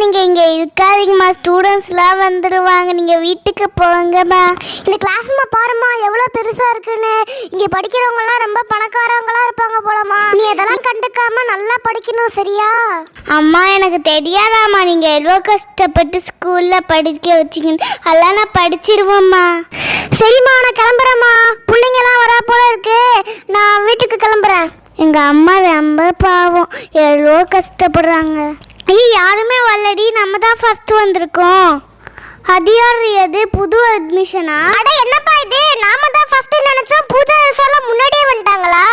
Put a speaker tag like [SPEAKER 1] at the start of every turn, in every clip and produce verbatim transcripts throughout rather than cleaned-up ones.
[SPEAKER 1] நீங்கள் இங்கே இருக்காதீங்கம்மா, ஸ்டூடெண்ட்ஸ்லாம் வந்துடுவாங்க, நீங்கள் வீட்டுக்கு போங்கம்மா. இந்த கிளாஸ்மா பாரும்மா எவ்வளோ பெருசாக இருக்குன்னு. இங்கே படிக்கிறவங்கலாம் ரொம்ப பணக்காரவங்களாம் இருப்பாங்க போலம்மா. நீ அதெல்லாம் கண்டுக்காம நல்லா படிக்கணும், சரியா? அம்மா எனக்கு தெரியாதாம்மா, நீங்கள் எவ்வளோ கஷ்டப்பட்டு ஸ்கூலில் படிக்க வச்சிங்கன்னு. அதெல்லாம் நான் படிச்சிருவோம்மா. சரிம்மா நான் கிளம்புறேம்மா, பிள்ளைங்கலாம் வரா போல இருக்கு, நான் வீட்டுக்கு கிளம்புறேன். எங்கள் அம்மா ரொம்ப பாவம், எவ்வளோ கஷ்டப்படுறாங்க. ஐயோ யாருமே வரலடி, நம்ம தான் ஃபர்ஸ்ட் வந்திருக்கோம். அது யார் அது, புது அட்மிஷனா? அட என்னப்பா இது, நாம தான் ஃபர்ஸ்ட் நினைச்சோம், பூஜா எல்லாம் முன்னாடியே வந்துட்டாங்களா?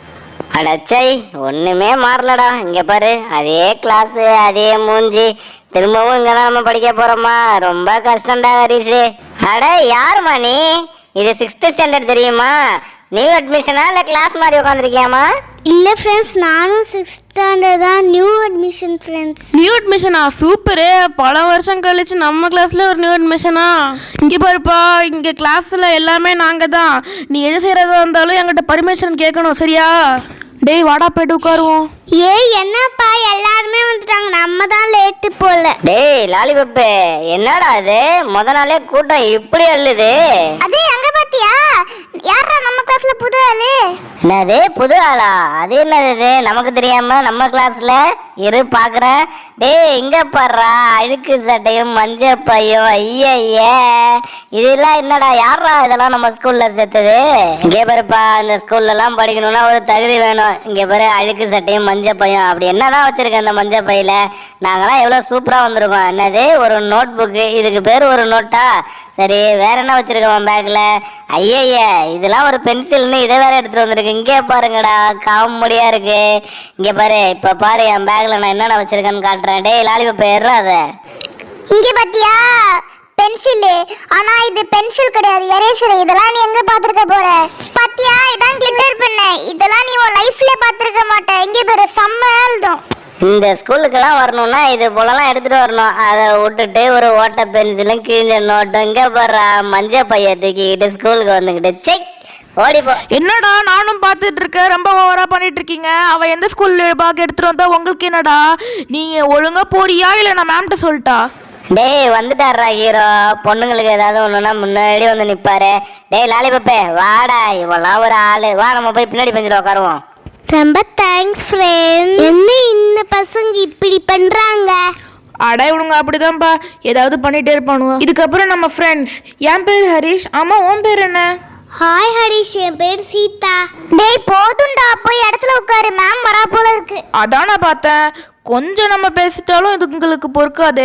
[SPEAKER 2] அடச்சை ஒண்ணுமே மாறலடா. இங்க பாரு, அதே கிளாஸ் அதே மூஞ்சி, திரும்பவும் இங்க தான் நம்ம படிக்க போறோமா. ரொம்ப கஷ்டம்டா ஹரிஷ். அட யாருமா நீ? இது சிக்ஸ்த் ஸ்டாண்டர்ட் தெரியுமா? நியூ அட்மிஷனா இல்லை கிளாஸ் மாதிரி உட்காந்துருக்கியாமா?
[SPEAKER 1] இல்லை ஃப்ரெண்ட்ஸ், நானும் சிக்ஸ்த் ஸ்டாண்டர்ட் தான், நியூ அட்மிஷன் ஃப்ரெண்ட்ஸ்.
[SPEAKER 3] நியூ அட்மிஷனா? சூப்பரு, பல வருஷம் கழிச்சு நம்ம கிளாஸ்ல ஒரு நியூ அட்மிஷனா? இங்கே பாருப்பா, இங்கே கிளாஸில் எல்லாமே நாங்கள் தான். நீ எது செய்கிறதா இருந்தாலும் என்கிட்ட பர்மிஷன் கேட்கணும், சரியா? டேய் வாடா போயிட்டு உட்காருவோம்.
[SPEAKER 1] ஏய் என்னப்பா எல்லாருமே வந்துட்டாங்க, நம்ம தான் லேட்டு போல.
[SPEAKER 2] டேய் லாலிபப்பு, என்னடா இது முத நாளே கூட்டம் இப்படி அள்ளுது?
[SPEAKER 1] அஜய் அங்க பாத்தியா, யாரா நம்ம கிளாஸ்ல புது ஆளு?
[SPEAKER 2] என்னது புது ஆளா? அது என்னது நமக்கு தெரியாம நம்ம கிளாஸ்ல இரு பாக்குறேன். டேய் இங்க பாடுறா, அழுக்கு சட்டையும் மஞ்ச பையும், ஐய இதெல்லாம் என்னடா, யாரா இதெல்லாம் நம்ம ஸ்கூல்ல சேர்த்தது? இங்கே பாருப்பா, இந்த ஸ்கூல்ல எல்லாம் படிக்கணும்னா ஒரு தகுதி வேணும். இங்க பாரு, அழுக்கு சட்டையும் மஞ்ச பையும், அப்படி என்னதான் வச்சிருக்க அந்த மஞ்ச பையில? நாங்கெல்லாம் எவ்வளவு சூப்பரா வந்திருக்கோம். என்னது ஒரு நோட் புக்கு, இதுக்கு பேரு ஒரு நோட்டா? சரி வேற என்ன வச்சிருக்கோம் பேக்ல? ஐய இதெல்லாம் ஒரு பென்சில்னு இதை வேற எடுத்துட்டு வந்திருக்கு. இங்கே பாருங்கடா, காமெடியா இருக்கு. இங்க பாரு, இப்ப பாரு என் பேக்ல நான் என்னென்ன வச்சிருக்கேன்னு காட்டுறேன். டேய் லாலிபப் ஏறாத.
[SPEAKER 1] இங்க பாத்தியா பென்சில், ஆனா இது பென்சில் கிடையாது, எரேசர். இதெல்லாம் நீ எங்க பாத்துக்க போற? பாத்தியா இதான் கிளிட்டர் பென், இதெல்லாம் நீ உன் லைஃப்ல பாத்துக்க மாட்ட. இங்க பாரு செம்ம எழுதும்.
[SPEAKER 2] இந்த ஸ்கூலுக்கெல்லாம் வரணும்னா இது போலலாம் எடுத்துட்டு வரணும். அதை விட்டுட்டு ஒரு ஓட்ட பென்சிலும் கிழிஞ்ச நோட்டும், இங்க போடுறா மஞ்ச பைய தூக்கிக்கிட்டு ஸ்கூலுக்கு வந்துக்கிட்டு செக் ஓடிப்போ.
[SPEAKER 3] என்னடா நானும் பார்த்துட்டு இருக்கேன், ரொம்ப ஓவரா பண்ணிட்டு இருக்கீங்க. அவ எந்த ஸ்கூல்ல பாக்க எடுத்துட்டு வந்தா உங்களுக்கு என்னடா? நீங்க ஒழுங்கா போறியா இல்ல நான் மேம்கிட்ட சொல்லிட்டா?
[SPEAKER 2] டேய் வந்துட்டாரா ஹீரோ, பொண்ணுங்களுக்கு ஏதாவது ஒண்ணுன்னா முன்னாடி வந்து நிப்பாரு. டேய் லாலிபப்பே வாடா, இவெல்லாம் ஒரு ஆளு, வா நம்ம போய் பின்னாடி பெஞ்சில் உட்காருவோம்.
[SPEAKER 1] ரொம்ப தேங்க்ஸ் ஃப்ரெண்ட். என்ன இந்த பசங்க இப்படி பண்றாங்க?
[SPEAKER 3] அட இவனுங்க அப்படிதான்ப்பா, ஏதாவது பண்ணிட்டே இருப்பானுங்க. இதுக்கப்புறம் நம்ம ஃப்ரெண்ட்ஸ். என் பேர் ஹரிஷ். ஆமா உன் பேர் என்ன?
[SPEAKER 1] ஹாய் ஹரிஷ், என் பேர் சீதா. டேய் போதும்டா, போய் இடத்துல உட்காரு, மேம் வரா போல இருக்கு.
[SPEAKER 3] அதான் நான் பார்த்தேன், கொஞ்சம் நம்ம பேசிட்டாலும் இது உங்களுக்கு பொறுக்காது.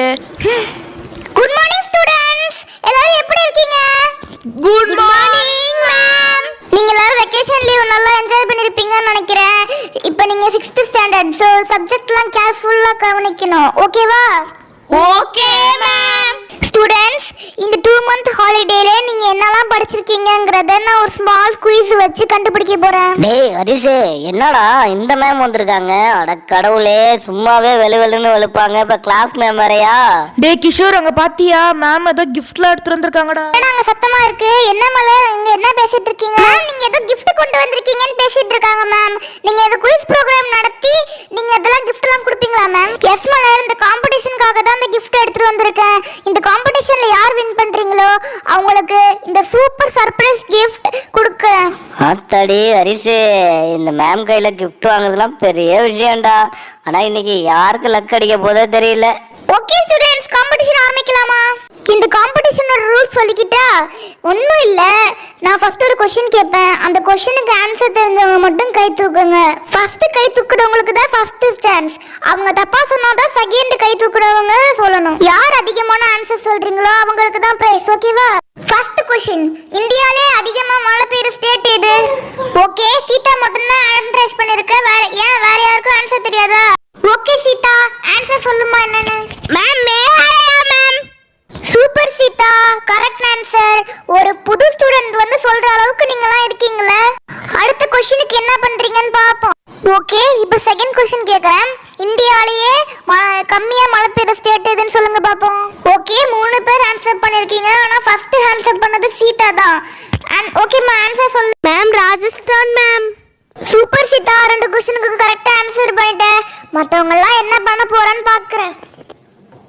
[SPEAKER 1] குட் மார்னிங் ஸ்டூடண்ட்ஸ், எல்லாரும் எப்படி இருக்கீங்க?
[SPEAKER 3] Good
[SPEAKER 1] morning ma'am. நீங்க எல்லாரும் வெக்கேஷன் லீவ் நல்லா என்ஜாய் பண்ணிருப்பீங்கன்னு நினைக்கிறேன். இப்போ நீங்க சிக்ஸ்த் ஸ்டாண்டர்ட், சோ சப்ஜெக்ட்லாம் கேர்ஃபுல்லா கவனிக்கணும், ஓகேவா? Okay ma'am. ஸ்டூடண்ட்ஸ், இந்த டூ மந்த் ஹாலிடேல நீங்க என்னெல்லாம் படிச்சிருக்கீங்கங்கறத நான் ஒரு ஸ்மால் குயிஸ் வச்சு கண்டுபிடிக்க போறேன்.
[SPEAKER 2] டேய் ஹரிஷ், என்னடா இந்த மேம் வந்திருக்காங்க? அட கடவுளே, சும்மாவே வெளு வெளுன்னு வெளுப்பாங்க, இப்ப கிளாஸ் மேம் வரையா?
[SPEAKER 3] டேய் கிஷோர், அங்க பாத்தியா மேம் ஏதோ கிஃப்ட்லாம் எடுத்து வந்திருக்காங்கடா.
[SPEAKER 1] நாங்க சத்தமா இருக்கு, என்ன மலர் இங்க என்ன பேசிட்டு இருக்கீங்க? மேம் நீங்க ஏதோ gift கொண்டு வந்திருக்கீங்கன்னு பேசிட்டு இருக்காங்க மேம். நீங்க ஏதோ குயிஸ் ப்ரோகிராம் நடத்தி நீங்க அதெல்லாம் giftலாம் கொடுப்பீங்களா மேம்? எஸ் மலர், இந்த காம்படிஷனுக்காக தான் இந்த gift எடுத்துட்டு வந்திருக்கேன். இந்த காம்படிஷன்ல யார் வின் பண்றீங்களோ அவங்களுக்கு இந்த சூப்பர் சர்ப்ரைஸ் gift கொடுக்கிறேன்.
[SPEAKER 2] ஆத்தாடி ஹரிஷ், இந்த மேம் கையில கிஃப்ட் வாங்குறதுலாம் பெரிய விஷயம்டா. ஆனா இன்னைக்கு யாருக்கு லக் அடிக்க போதோ தெரியல.
[SPEAKER 1] ஓகே ஸ்டூடண்ட்ஸ், காம்படிஷன் ஆரம்பிக்கலாமா? இந்த காம்படிஷனோட ரூல்ஸ் சொல்லிக்கிட்டா? ஒன்றும் இல்லை, நான் ஃபர்ஸ்ட் ஒரு கொஸ்டின் கேட்பேன், அந்த கொஸ்டினுக்கு ஆன்சர் தெரிஞ்சவங்க மட்டும் கை தூக்குங்க. ஃபர்ஸ்ட் கை தூக்குறவங்களுக்கு தான் ஃபர்ஸ்ட் சான்ஸ். அவங்க தப்பா சொன்னாதான் செகண்ட் கை தூக்குறவங்க சொல்லணும். யார் அதிகமான ஆன்சர் சொல்றீங்களோ அவங்களுக்கு தான் பிரைஸ், ஓகேவா? ஃபர்ஸ்ட் கொஸ்டின், இந்தியாவிலே அதிகமா மழை பெய்யுற ஸ்டேட் எது? ஓகே, சீதா மட்டும் தான் ஆன்சர் பண்ணிருக்க, வேற ஏன் வேற யாருக்கும் ஆன்சர் தெரியாதா? ஓகே சீதா, ஆன்சர் சொல்லுமா என்னன்னு? Ma'am Meghalaya ma'am. Super Sita, correct answer. ஒரு புது ஸ்டூடண்ட் வந்து சொல்ற அளவுக்கு நீங்கலாம் இருக்கீங்களே. அடுத்த क्वेश्चनக்கு என்ன பண்றீங்கன்னு பாப்போம். ஓகே, இப்போ செகண்ட் क्वेश्चन கேக்குறேன். இந்தியாலயே கம்மியா மழை பெய்யுற ஸ்டேட் எதுன்னு சொல்லுங்க பாப்போம். ஓகே, மூணு பேர் ஆன்சர் பண்ணிருக்கீங்க, ஆனா ஃபர்ஸ்ட் ஆன்சர் பண்ணது சீதா தான். ஓகே மா, ஆன்சர் சொல்லு. Ma'am Rajasthan ma'am. Super Seetha, ரெண்டு क्वेश्चनக்கு கரெக்ட்டா ஆன்சர் பண்ணிட்டேன். மத்தவங்க எல்லாம் என்ன பண்ண போறான்னு பாக்குறேன்.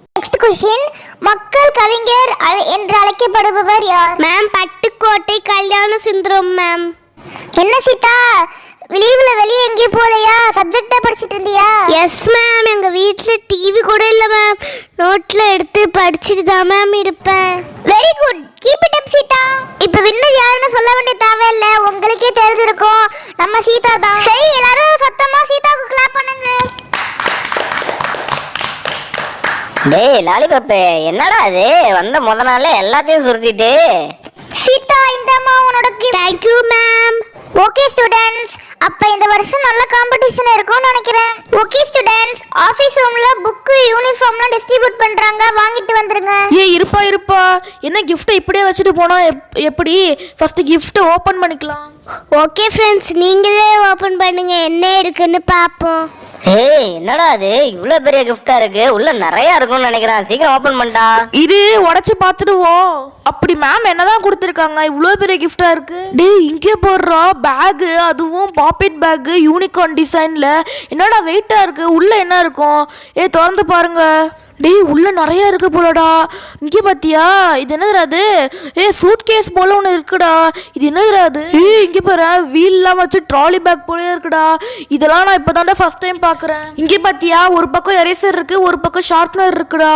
[SPEAKER 1] கொஷின், மக்கள் கவிஞர் அழ- என்று அழைக்கப்படுபவர் யார்?
[SPEAKER 4] மேம் பட்டுக்கோட்டை கல்யாண சுந்தரம் மேம்.
[SPEAKER 1] என்ன சீதா, லீவ்ல வெளியே எங்கேயும் போலையா? சப்ஜெக்டா படிச்சிட்டு இருந்தியா?
[SPEAKER 4] எஸ் மேம், எங்க வீட்ல டிவி கூட இல்ல மேம். நோட்ல எடுத்து படிச்சுட்டு தான் மேம் இருப்பேன்.
[SPEAKER 1] Very good, keep it up Seetha. இப்ப வின்னர் யாருன்னு சொல்ல வேண்டிய தேவையில்லை, உங்களுக்கே தெரிஞ்சிருக்கும், நம்ம சீதா தான். சரி, எல்லாரும் சத்தமா சீதாவுக்கு கிளாப் பண்ணுங்க.
[SPEAKER 2] டேய் லாலிபப்பு, என்னடா அது வந்த முத நாளே எல்லாத்தையும் சுருட்டிட்டு.
[SPEAKER 1] சீதா, இந்தம்மா உன்னோட gift.
[SPEAKER 4] Thank you ma'am.
[SPEAKER 1] Okay students, அப்ப இந்த வருஷம் நல்ல காம்படிஷன் இருக்கும்னு நினைக்கிறேன். ஓகே ஸ்டூடண்ட்ஸ், ஆபீஸ் ரூம்ல புக் யூனிஃபார்ம்லாம் டிஸ்ட்ரிபியூட் பண்றாங்க, வாங்கிட்டு வந்துருங்க.
[SPEAKER 3] ஏ இருப்பா இருப்பா, என்ன கிஃப்ட்டை இப்படியே வச்சுட்டு போனா எப்- எப்படி? ஃபர்ஸ்ட் கிஃப்ட் ஓபன் பண்ணிக்கலாம்.
[SPEAKER 4] ஓகே ஃப்ரெண்ட்ஸ், நீங்களே ஓபன் பண்ணுங்க, என்ன இருக்குன்னு பாப்போம்.
[SPEAKER 2] ஏய் என்னடா அது இவ்வளவு பெரிய கிஃப்டா இருக்கு, உள்ள நிறைய இருக்கும்னு நினைக்கிறேன். சீக்கிரம் ஓபன் பண்ணிட்டா.
[SPEAKER 3] இது உடைச்சு பார்த்துடுவோம். அப்படி மேம் என்னதான் கொடுத்துருக்காங்க, இவ்வளோ பெரிய கிஃப்டா இருக்கு. டேய் இங்கே போடுறா பேகு, அதுவும் பாக்கெட் பேகு யூனிகார்ன் டிசைன்ல. என்னடா வெயிட்டா இருக்கு, உள்ள என்ன இருக்கும்? ஏ திறந்து பாருங்க. டேய் உள்ள நிறைய இருக்கு போலடா. இங்கே பாத்தியா, இது என்னதுடா அது? ஏ சூட் கேஸ் போல ஒன்று இருக்குடா. இது என்னதுடா அது? ஏய் இங்கே பாரு, வீல்லாம் வச்சு ட்ராலி பேக் போல இருக்குடா. இதெல்லாம் நான் இப்போதான்டா ஃபர்ஸ்ட் டைம் பார்க்குறேன். இங்கே பாத்தியா, ஒரு பக்கம் எரேசர் இருக்கு, ஒரு பக்கம் ஷார்ப்னர் இருக்குடா.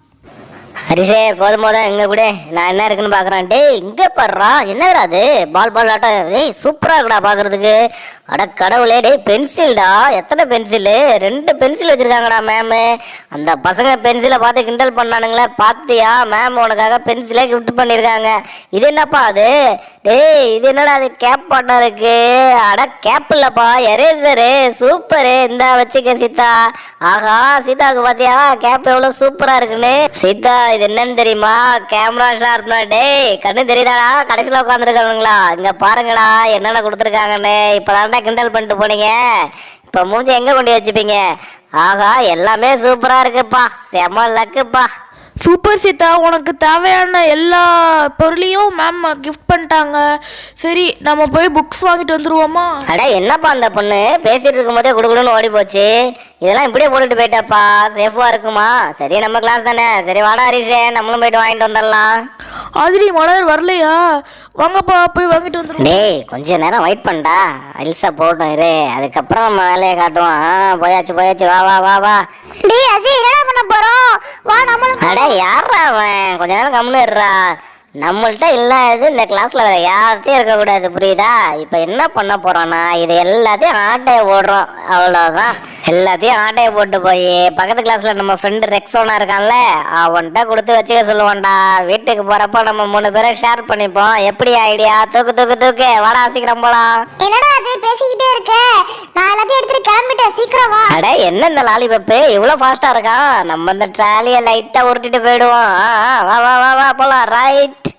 [SPEAKER 2] ஹரிஷே போதும் போதும் இங்க கூட நான் என்ன இருக்குன்னு பாக்குறேன். டேய் இங்க பாடுறா, என்னதுடா அது? பால் பால் ஆட்டம். டேய் சூப்பரா இருக்குடா பாக்குறதுக்கு. அட கடவுளே, டேய் பென்சில்டா. எத்தனை பென்சிலு? ரெண்டு பென்சில் வச்சிருக்காங்கடா மேம். அந்த பசங்க பென்சிலை பார்த்து கிண்டல் பண்ணானுங்களே, பாத்தியா? மேம் உனக்காக பென்சிலே கிஃப்ட் பண்ணிருக்காங்க. இது என்னப்பா அது? டேய் இது என்னடா அது? கேப் பாட்டம் இருக்கு. அட கேப் இல்லப்பா, எரேசரு. சூப்பரு, இந்த வச்சுக்க சீதா. ஆஹா சீதாவுக்கு பாத்தியா கேப் எவ்வளவு சூப்பரா இருக்குன்னு. சீதா இது என்னன்னு தெரியுமா? கேமரா ஷார்ப்னா. டேய் கண்ணு தெரியுதாடா? கடைசியில் உட்காந்துருக்கானுங்களா? இங்க பாருங்கடா என்னென்ன கொடுத்துருக்காங்கன்னு. இப்பதான்டா கிண்டல் பண்ணிட்டு போனீங்க, இப்ப மூஞ்சி எங்க கொண்டு வச்சுப்பீங்க? ஆகா எல்லாமே சூப்பரா இருக்குப்பா, செம லக்குப்பா.
[SPEAKER 3] சூப்பர் சீதா, உனக்கு தேவையான எல்லா பொருளையும் மேம் கிஃப்ட் பண்ணிட்டாங்க. சரி நம்ம போய் புக்ஸ் வாங்கிட்டு வந்துருவோமா?
[SPEAKER 2] அட என்னப்பா அந்த பொண்ணு பேசிட்டு இருக்கும் போதே குடுக்குடுன்னு ஓடி போச்சு. இதெல்லாம் இப்படியே போட்டுட்டு போயிட்டாப்பா, சேஃபா இருக்குமா? சரி நம்ம கிளாஸ் தானே. சரி வாடா ஹரிஷே, நம்மளும் போயிட்டு வாங்கிட்டு வந்துடலாம்.
[SPEAKER 3] ஆதிரி மலர் வரலையா? வாங்கப்பா போய் வாங்கிட்டு வந்துருவோம்.
[SPEAKER 2] டேய் கொஞ்ச நேரம் வெயிட் பண்ணடா, அல்சா போட்டோம் இரு, அதுக்கப்புறம் நம்ம வேலையை காட்டுவோம். ஆ, போயாச்சு போயாச்சு, வா வா வா வா.
[SPEAKER 1] டேய் அஜய், என்னடா பண்ண போறோம்? வா நம்மளும்.
[SPEAKER 2] அட யாரா அவன்? கொஞ்ச நேரம் கம்முன்னு இருடா. நம்மள்ட்ட இல்லாதது இந்த கிளாஸ்ல வேற யார்கிட்டயும் இருக்கக்கூடாது, புரியுதா? இப்ப என்ன பண்ண போறோம்னா இது எல்லாத்தையும் ஆட்டைய போடுறோம், அவ்வளவுதான். எல்லாத்தையும் ஆட்டைய போட்டு போய் பக்கத்து கிளாஸ்ல நம்ம ஃப்ரெண்டு ரெக்ஸோனா இருக்கான்ல, அவன்கிட்ட கொடுத்து வச்சுக்க சொல்லுவான்டா. வீட்டுக்கு போறப்ப நம்ம மூணு பேரை ஷேர் பண்ணிப்போம். எப்படி ஐடியா? தூக்கு தூக்கு தூக்கு, வாடா சீக்கிரம் போலாம்.
[SPEAKER 1] என்னடா அஜய் பேசிக்கிட்டே இருக்க? நான் எல்லாத்தையும் எடுத்துட்டு கிளம்பிட்டேன், சீக்கிரம் வா.
[SPEAKER 2] அட என்ன இந்த லாலிபப்பு இவ்வளவு ஃபாஸ்டா இருக்கான்? நம்ம இந்த ட்ராலியை லைட்டா உருட்டிட்டு போயிடுவோம். ஆ, ஆ, வா வா வா வா போலாம். ரைட்.